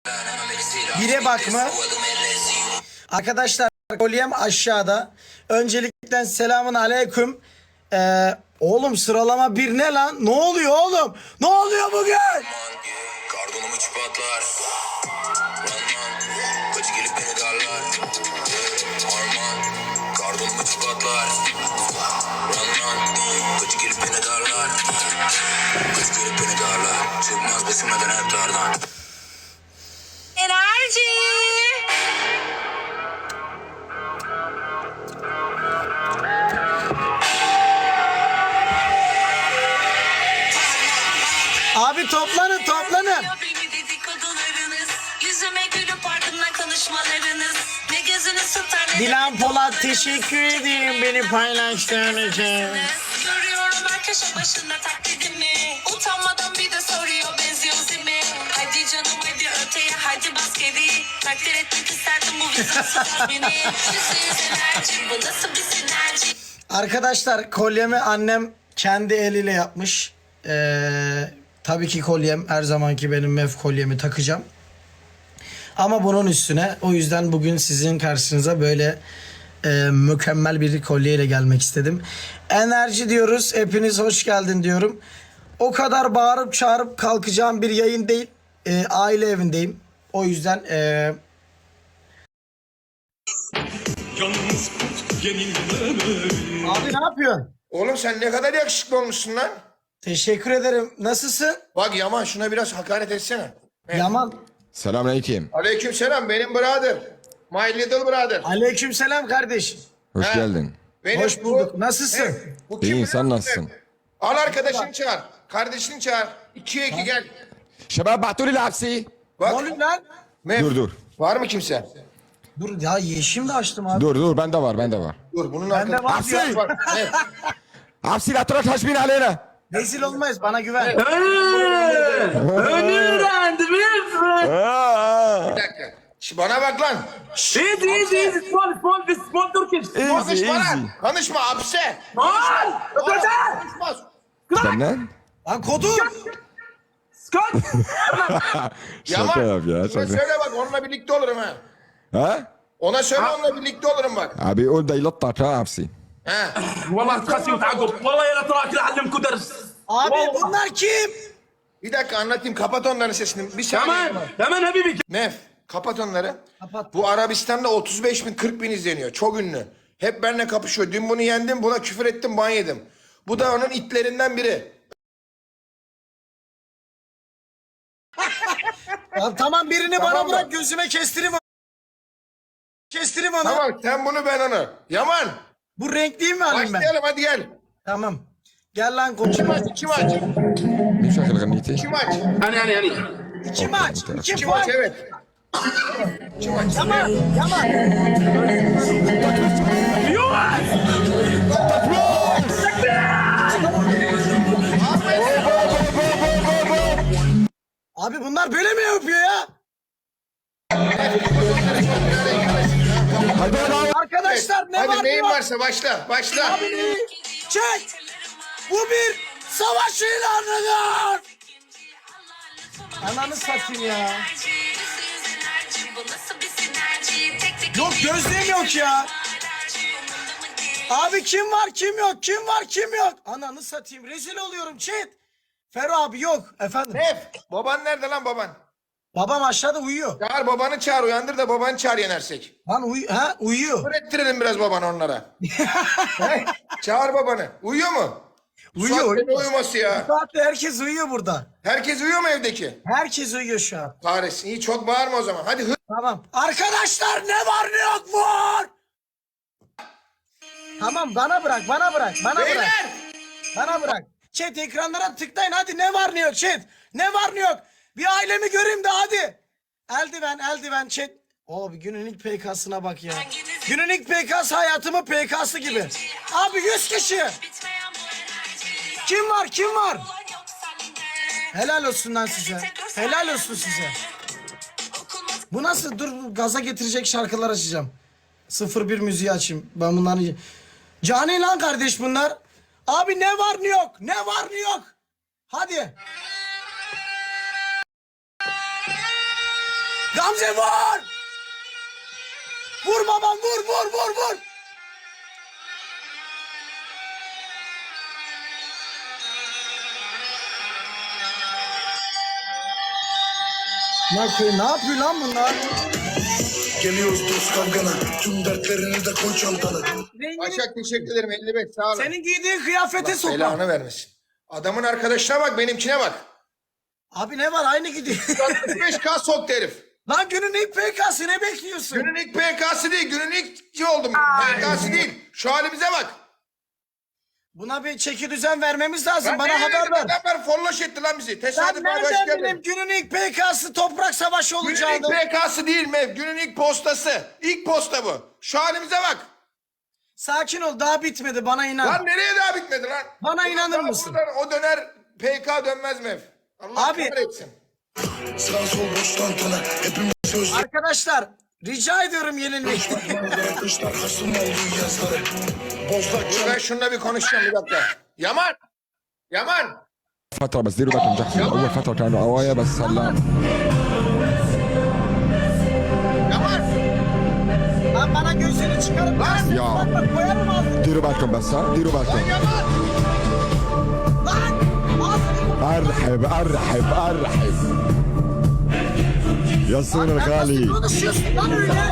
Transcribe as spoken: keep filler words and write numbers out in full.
Bire bakma. Arkadaşlar kolyem aşağıda. Öncelikle selamun aleyküm. Ee, oğlum sıralama bir ne lan? Ne oluyor oğlum? Ne oluyor bugün? Kardonumu çıpatlar. Kaçı gelip beni darlar. Arman. Kardonumu çıpatlar. Kaçı gelip beni darlar. Kaçı gelip beni darlar. Çıkmaz besimeden hep dardan. Enerji. Abi toplanın toplanın. Beni dedikodularınız, yüzüme gülüp ardından konuşmalarınız. Ne gözünüz tutar ne Dilan Polat teşekkür ederim beni paylaştığın için. Görüyorum her köşe başında taklidimi. Utanmadan bir de soruyor benziyor zimi. Hadi canım hadi öteye hadi bas geri. Takdir etmek isterdim bu vizyonsuz beni. Yüzde yüz enerji bu nasıl bir sinerji. Arkadaşlar kolyemi annem kendi eliyle yapmış. Ee, tabii ki kolyem her zamanki benim mef kolyemi takacağım. Ama bunun üstüne o yüzden bugün sizin karşınıza böyle e, mükemmel bir kolyeyle gelmek istedim. Enerji diyoruz. Hepiniz hoş geldin diyorum. O kadar bağırıp çağırıp kalkacağım bir yayın değil. E, aile evindeyim. O yüzden e, abi ne yapıyorsun? Oğlum sen ne kadar yakışıklı olmuşsun lan. Teşekkür ederim. Nasılsın? Bak Yaman şuna biraz hakaret etsene. Yaman. Selamünaleyküm. Aleyküm selam benim brother. My little brother. Aleykümselam kardeşim. Hoş Ha. geldin. Benim Hoş bulduk. bu- Nasılsın? Evet, bu kim İyi, biliyor sen musun? nasılsın? Al arkadaşını çağır. Kardeşini çağır. İkiye iki gel. Şebap bahtuli lapsi. Bak. Ne oluyor lan? Mev, Dur dur. Var mı kimse? Dur ya yeşim de açtım abi. Dur dur bende var bende var. Dur bunun Bende arkadaşı var diyor. Aksi. var. Evet. Hapsi la tura taşbin aleyna. Rezil olmayız bana güven. Bir dakika. Şş, bana bak lan. Şş, Easy, easy, easy. Small, small, this small Turkish. Easy konuşma easy. lan. Konuşma hapse. Small. Konuşma. Benden? Lan kodu. Scott. Şaka yap ya Ona şaka. söyle bak onunla birlikte olurum ha. Ha? Ona söyle onunla birlikte olurum bak. Abi o da ilat ta hapsi. Ha. والله تخسي وتعقب والله يا تراك اعلمكم درس. Abi bunlar kim? Bir dakika anlatayım. Kapat onların sesini. Bir saniye. كمان كمان حبيبي. Mef. Kapat onları. Kapat. Bu Arabistan'da otuz beş bin kırk bin izleniyor. Çok ünlü. Hep benimle kapışıyor. Dün bunu yendim. Buna küfür ettim. Ban yedim. Bu da onun itlerinden biri. Ya tamam birini Tamam bana mı? bırak gözüme kestireyim onu. Kestireyim onu. Tamam sen bunu ben onu. Yaman. Bu renkliyi mi alayım ben? Başlayalım hadi gel. Tamam. Gel lan Kim koçum. aç? Kim aç? Ne şakal ganiti? Kim aç? انا انا انا. İki maç. İki Kim puan. aç evet. Kim aç? Yaman. Yaman. Abi bunlar böyle mi yapıyor ya? Arkadaşlar ne Hadi var neyin ne var? varsa başla. Başla. Çek. Bu bir savaş ilanıdır. Ananı satayım ya. Yok gözlüğüm yok ya. Abi kim var kim yok kim var kim yok. Ananı satayım rezil oluyorum chat. Fero abi yok efendim. Mef. Baban nerede lan baban? Babam aşağıda uyuyor. Çağır babanı çağır uyandır da babanı çağır yenersek. Lan uy ha uyuyor. Öğrettirelim biraz babanı onlara. He? Çağır babanı. Uyuyor mu? Uyuyor, Uyuyor. uyuyor. Uyuması ya. Saatte herkes uyuyor burada. Herkes uyuyor mu evdeki? Herkes uyuyor şu an. Kahretsin. İyi çok bağırma o zaman. Hadi hı. Tamam. Arkadaşlar ne var ne yok var. Tamam bana bırak bana bırak bana bırak. Beyler. Bana bırak. Chat ekranlara tıklayın hadi ne var ne yok chat. Ne var ne yok. Bir ailemi göreyim de hadi. Eldiven eldiven chat. O bir günün ilk P K'sına bak ya. Günün ilk P K'sı hayatımın P K'sı gibi. Abi yüz kişi. Kim var kim var? Helal olsun lan size. Helal olsun size. Bu nasıl? Dur gaza getirecek şarkılar açacağım. sıfır bir müziği açayım. Ben bunları... Cani lan kardeş bunlar. Abi ne var ne yok? Ne var ne yok? Hadi. Gamze vur! Vur babam vur vur vur vur! Ne yapıyor, ne yapıyor lan bunlar? Geliyoruz dost kavgana, tüm dertlerini de koy çantana. Başak teşekkür ederim elli beş sağ olun. Senin giydiğin kıyafete Allah sokma. belanı vermesin. Adamın arkadaşına bak benimkine bak. Abi ne var aynı gidiyor. altmış beş K soktu herif. Lan günün ilk P K'sı ne bekliyorsun? Günün ilk P K'sı değil, günün ilk oldum. P K'sı değil. Şu halimize bak. Buna bir çeki düzen vermemiz lazım. Lan Bana nereye haber dedim? ver. Adamlar folloş etti lan bizi. Sen Tesadüf arkadaş nereden geldi. bileyim günün ilk P K'sı toprak savaşı Günün ilk olacağını? P K'sı değil Mev. Günün ilk postası. İlk posta bu. Şu halimize bak. Sakin ol daha bitmedi bana inan. Lan nereye daha bitmedi lan? Bana Ulan inanır daha mısın? buradan O döner P K dönmez Mev. Allah Abi- kahretsin. Sağ sol boş tantana, hepimiz sözlü. Arkadaşlar rica ediyorum yenilmeyin. Kışlar hasım olduğu yazları. Bozlak Dur ben şununla bir konuşacağım bir dakika. Yaman. Yaman. فترة بس ديروا بالكم جحفل أول فترة كانوا قوايا بس هلا Yaman. Lan bana gözünü çıkarıp Lan. Ya. bak bak koyarım ağzını. ديروا بالكم بس ها ديروا بالكم Yaman. Lan ağzını. أرحب أرحب أرحب يا الصون Nasıl الغالي konuşuyorsun lan öyle?